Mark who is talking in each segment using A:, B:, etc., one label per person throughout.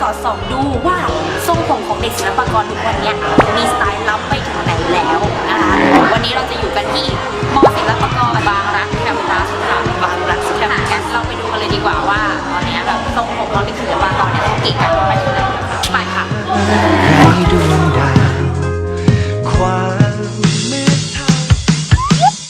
A: อดส่องดูว่าทรงผมของเด็กศิลปากรทุกวันนี้มีสไตล์ล้ำไปถึงไหนแล้วนะคะวันนี้เราจะอยู่กันที่มอศิลปากรบางรักแคมปัสค่ะบางรักแคมปัสเราไปดูกันเลยดีกว่าว่าตอนนี้แบบทรงผมของเด็กศิลปากรเนี่ยเขาเก่งกันไปถึงไหนไปค่ะ
B: ให้ดวงดาวความมืดเทา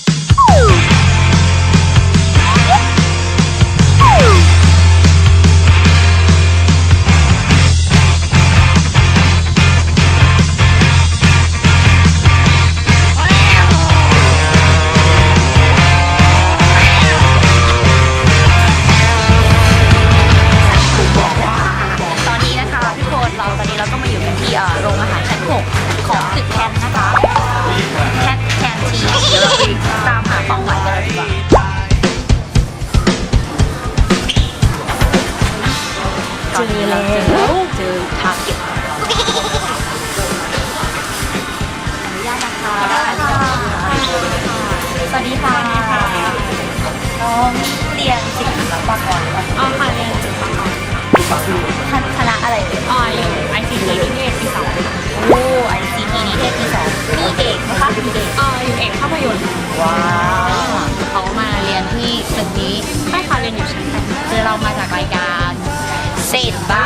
A: เราก็มาอยู่กันที่โรงอาหารชั้น 6ของตึกแคนนะคะแคนทีเดี๋ยวเราไปตามหาเป้าหมายกันเลยดีกว่าเจอแล้วเจอทาร์เก็ตอนุญาตนะคะสวัสดีค่ะน้องเรียนศิลปากรอ๋อค่ะเรียนศิลปากรคณะอะไรเอ่ย
C: อยู่ ICT นิเทศปี 2
A: โอ้ ICT นิเทศปี 2มีเอกนะคะมีเอก
C: อยู่เอกภาพยนตร์
A: ว้าวเขามาเรียนที่ตึกนี้
C: ไม่ค่ะเรียนอยู่ชั้น8
A: คือเรามาจากรายการเศษบ้า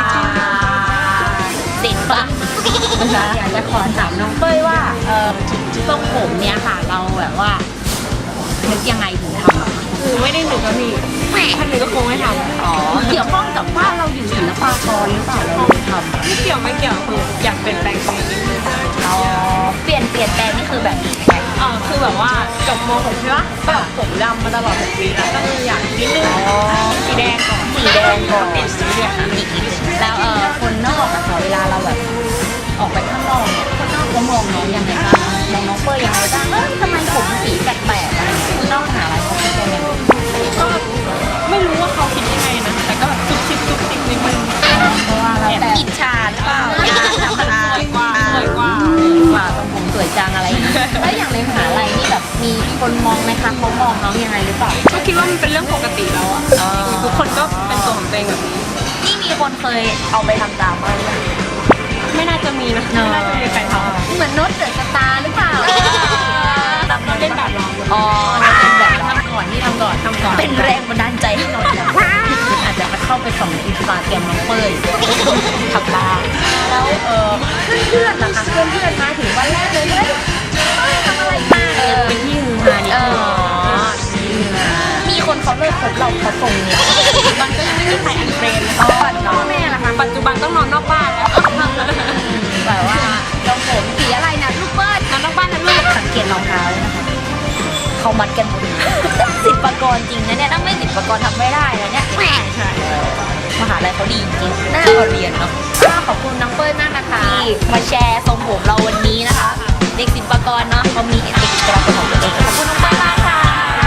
A: อยากจะขอถามน้องเป้ยว่าทรงผมเนี่ยค่ะเราแบบว่านึกยังไงถึงทำ
C: คือไม่ได้หนึ่งก็มีถ้าหนึ่งก็คงไม่ทำ
A: เกี่ยวข้องกับว่าเราอยู่ศิลปากรหรือเปล่าเราทำ
C: ไม่เกี่ยวคืออยากเปลี่ยนแปลงตัวเอง
A: เปลี่ยนแปลงนี่คือแบบนี้
C: คือแบบว่าจบม .6 ใช่ปะแบบผมดำมาตลอด6 ปีแล้วก็เลยอยากนิดนึงสีแดงก่อน
A: เป็นสีเหลืองอีกแล้วคนนอกอะค่ะเวลาเราแบบออกไปข้างนอกเนี่ยคนนอกเขามองน้องยังไงบ้างมองน้องเป้ยยังไงบ้างทำไมผมสีแปลกๆอะไรคนนอกหาอะไรเขาคิดยังไง
C: ก็ไม่รู้ว่าเขาคิดยังไงนะแต่ก็แบบจุกจิกนิดนึง
A: เพราะว่าเราแต่อิจฉาหรือเปล่าธรรมดา
C: สวยกว่า
A: ตรงผมสวยจังอะไรอย่างนี้แล้วอย่างในมหาลัยนี่แบบมีคนมองไหมคะเขามองน้องยังไงหรือเปล่า
C: ก็คิดว่ามันเป็นเรื่องปกติแล้วอ่ะทุกคนก็เป็นตัวของตัวเองแบบนี้
A: นี่มีคนเคยเอาไปทำตามบ้างไหม
C: ไม่น่าจะมีนะไม่น่าจะมีใครทำ
A: เหมือนโน้ตเดอะสตาร์หรือเปล่า
C: ตามเล่นแบบเรา
A: เป็นแบบทำก่อนเป็นแรงบันดาลใจให้น้องอาจจะไปเข้าไปส่องอินสตาแกรมน้องเป้ยทำบ้างแล้วเพื่อนๆนะคะเพื่อนมาถึงวันแรกเลยเฮ้ยทำอะไรมา
C: เป็นที่ฮือฮานิดนึง
A: มีคนเขาเลิกคบเราเขาส่งเนี่ย
C: มันก็ยังไม่มีใครอันเฟรน
A: พ่อแม่ล่ะคะ
C: ปัจจุบันต้องนอนนอกบ้านแล้ว
A: แบบว่าเราผมสีอะไรนะลูกเปิ้ล
C: นอนนอกบ้านนะลูก
A: สังเกตรองเท้าเลยนะคะเขามัดกันหมดศิลปากรจริงนะเนี่ยถ้าไม่ศิลปากรทำไม่ได้นะเนี่ย
C: ใช่
A: มหาลัยเขาดีจริงน่าเรียนเนาะขอบคุณน้องเปิ้ลมากนะคะที่มาแชร์ทรงผมเราวันนี้นะคะเด็กศิลปากรเนาะเขามีเอกลักษณ์ของตัวเองขอบคุณน้องเปิ้ลมากค่ะ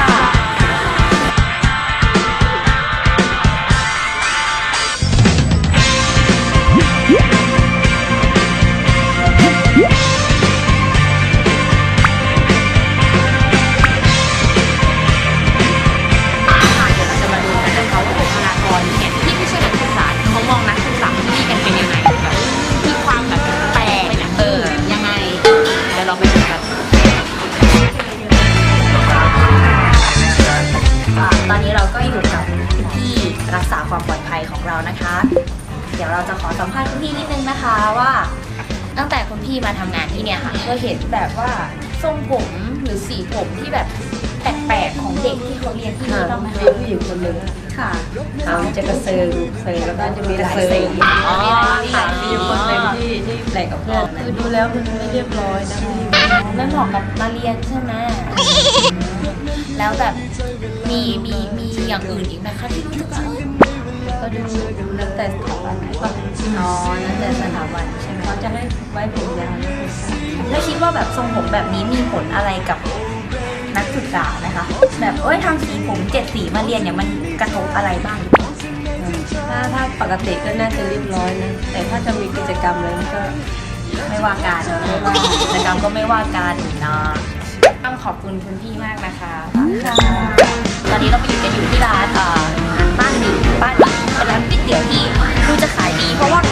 A: ตอนนี้เราก็อยู่กับพี่รักษาความปลอดภัยของเรานะคะเดี๋ยวเราจะขอสัมภาษณ์คุณพี่นิดนึงนะคะว่าตั้งแต่คุณพี่มาทำงานที่เนี่ยค่ะก็เห็นแบบว่าทรงผมหรือสีผมที่แบบแปลกๆของเด็กที่เขาเรียนที่นี่บ้างไหมคะ
D: ผู้หญิงคนหนึ่ง
A: ค่ะ
D: เขาจะกระเซิงแล้วก็จะมีหลายสีมีคนหนึ่งที่แปลกกับเพื่อนคือดูแล้วมันไม่เรียบร้อยนะ
A: ไม่เหมาะกับมาเรียนใช่ไหมแล้วแบบมีอย่างอื่นอีกไหมคะที่รู้สึกว่า
D: ก็ดูแล้วแต่สถาบันไหน
A: แล้วแต่สถาบันใช่ไหม
D: เขาจะให้ไว้ผมยาว
A: แล้วคิดว่าแบบทรงผมแบบนี้มีผลอะไรกับนักศึกษาไหมคะแบบทำสีผม7 สีมาเรียนเนี่ยมันกระทบอะไรบ้าง
D: ถ้าปกติก็น่าจะเรียบร้อยนะแต่ถ้าจะมีกิจกรรมอะไรก็
A: ไม่ว่าการกิจกรรมก็ไม่ว่าการนะต้องขอบคุณคุณพี่มากนะคะตอนนี้เราไปอยู่ที่ร้านบ้านหนึ่งเป็นร้านก๋วยเตี๋ยวที่ดูจะขายดีเพราะว่า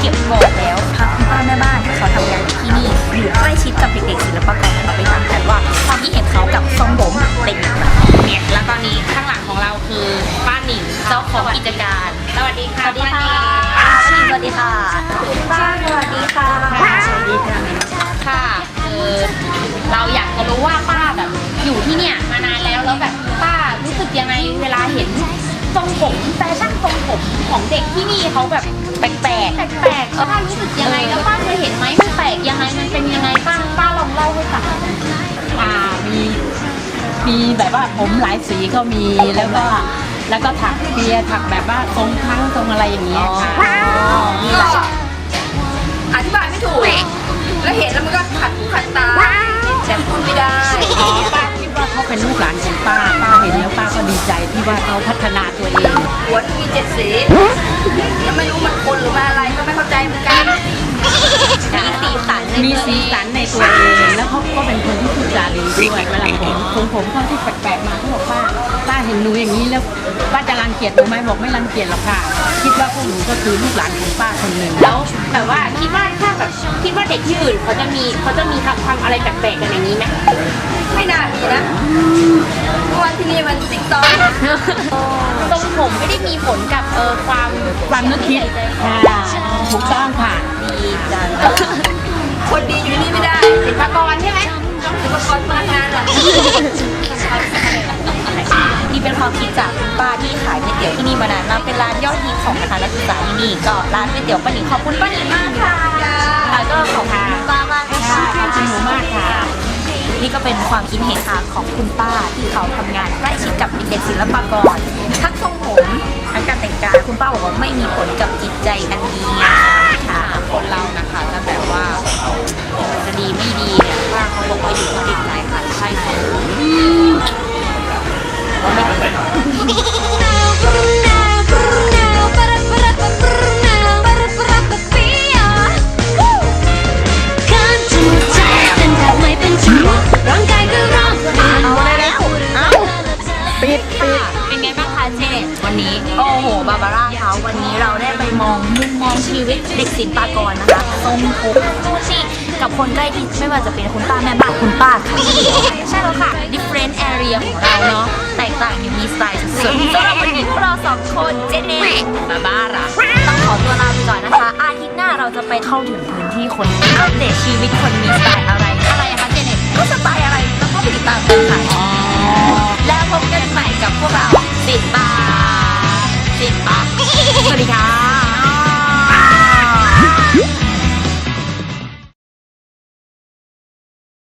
A: วัสดีค่ะคุณป้าสวัสดีค่ะ
D: สวัสดีค่ะ
A: ค่ะเราอยากจะรู้ว่าป้าแบบอยู่ที่เนี่ยมานานแล้วแบบป้ารู้สึกยังไงเวลาเห็นทรงผมแฟชั่นทรงผมของเด็กที่นี่เขาแบบแปลกป้ารู้สึกยังไงแล้วป้าเคยเห็นไหมมันแปลกยังไงมันเป็นยังไงป้าลองเล่าให้ฟัง
D: มีแบบว่าผมหลายสีก็มีแล้วก็ถักเปียถักแบบว่าทรงทั้งทรงอะไรอย่างเงี้ยค่ะ
A: มีหลาย
E: อธิบายไม่ถูก แล้วเห็นแล้วมันก็ขัดหูขัดตาแต่พูดไม่ได้
D: อ๋อป้าคิดว่าเขาเป็นลูกหลานของป้าเห็นแล้วป้าก็ดีใจที่ว่าเขาพัฒนาตัวเอง
E: หัวมี7 สีแล้วไม่รู้มันคนหรือมาอะไรก็ไม่เข้าใจเหมือนกัน
D: มีสีสันในตัวเองแล้วเขาก็เป็นคนที่พูดจาดีด้วยเวลาผมเขาที่แปลกๆมาเขาบอกป้าเห็นหนูอย่างนี้แล้วป้าจะรังเกียจหนูไหมบอกไม่รังเกียจหรอกค่ะ คิดว่าพวกหนูก็คือลูกหลานของป้าคนหนึ่ง
A: แล้วแบบว่าคิดว่าถ้าแบบคิดว่าเด็กที่อื่นเขาจะมีทำอะไรแปลกๆกันอย่างนี้ไหม
E: ไม่น่ามีนะเพราะว่าที่นี่มันติ๊กต๊อก
A: ทรงผมไม่ได้มีผลกับความนึกคิด
D: ค่ะถูกต้องค่ะ
A: ดีจัง
E: คนดีอยู่นี่ไม่ได้
A: ศิลปากรใช่ไหม
E: ศิลปากรพนักงานอ่ะ
A: นี่เป็นความคิดจากคุณป้าที่ขายก๋วยเตี๋ยวที่นี่มานานมากเป็นร้านยอดฮิตของคณะนักศึกษาที่นี่ก็ร้านก๋วยเตี๋ยวป้าหนิงขอบคุณป้าหนิงมากค่ะแล้วก็ขอบคุณคุณป้ามากค่ะ
D: ขอบคุณหนูมากค่ะ
A: นี่ก็เป็นความคิดเห็นของคุณป้าที่เขาทำงานใกล้ชิดกับเด็กศิลปากรทั้งทรงผมทั้งการแต่งกายคุณป้าบอกว่าไม่มีผลกับจิตใจอันดีงามค่ะคนเรานะคะจะแบบว่าจะดีไม่ดีเนี่ยป้าเขาบอกว่าอยู่ที่จิตใจค่ะใช่ไหม เป็นไงบ้างคะเจเน็ตวันนี้โอ้โหบาบาร่าเขาวันนี้เราได้ไปมองมุมมองชีวิตเด็กศิลปากรนะคะทรงผมชูชีกับคนใกล้ชิดไม่ว่าจะเป็นคุณป้าแม่บ้านคุณป้าค่ะใช่แล้วค่ะ different area ของเราเนาะแตกต่างอยู่มีสไตล์สุดๆสำหรับวันนี้พวกเราสองคนเจเน็ตบาบาร่าต้องขอตัวลาไปก่อนนะคะอาทิตย์หน้าเราจะไปเข้าถึงพื้นที่คนอัปเดตชีวิตคนมีสไตล์อะไรอะคะเจเน็ตก็สไตล์อะไรแล้วก็ไปติดตามกันค่ะแล้วพบกันใหม่กับพวกเราติดตาม